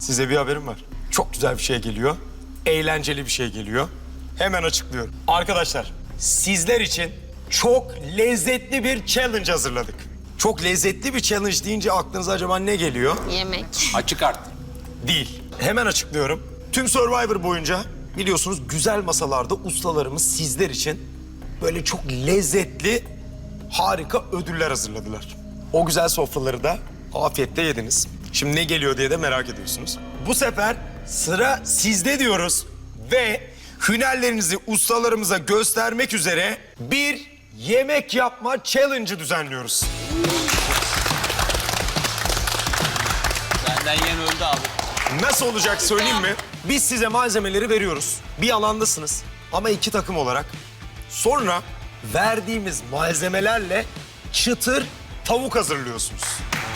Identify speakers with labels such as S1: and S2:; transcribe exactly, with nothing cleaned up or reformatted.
S1: Size bir haberim var. Çok güzel bir şey geliyor. Eğlenceli bir şey geliyor. Hemen açıklıyorum. Arkadaşlar, sizler için çok lezzetli bir challenge hazırladık. Çok lezzetli bir challenge deyince aklınıza acaba ne geliyor?
S2: Yemek.
S3: Açık art.
S1: Değil. Hemen açıklıyorum. Tüm Survivor boyunca biliyorsunuz güzel masalarda ustalarımız sizler için böyle çok lezzetli, harika ödüller hazırladılar. O güzel sofraları da afiyetle yediniz. Şimdi ne geliyor diye de merak ediyorsunuz. Bu sefer sıra sizde diyoruz ve hünerlerinizi ustalarımıza göstermek üzere bir yemek yapma challenge'ı düzenliyoruz.
S3: Benden yen öldü abi.
S1: Nasıl olacak söyleyeyim mi? Biz size malzemeleri veriyoruz. Bir alandasınız ama iki takım olarak. Sonra verdiğimiz malzemelerle çıtır tavuk hazırlıyorsunuz.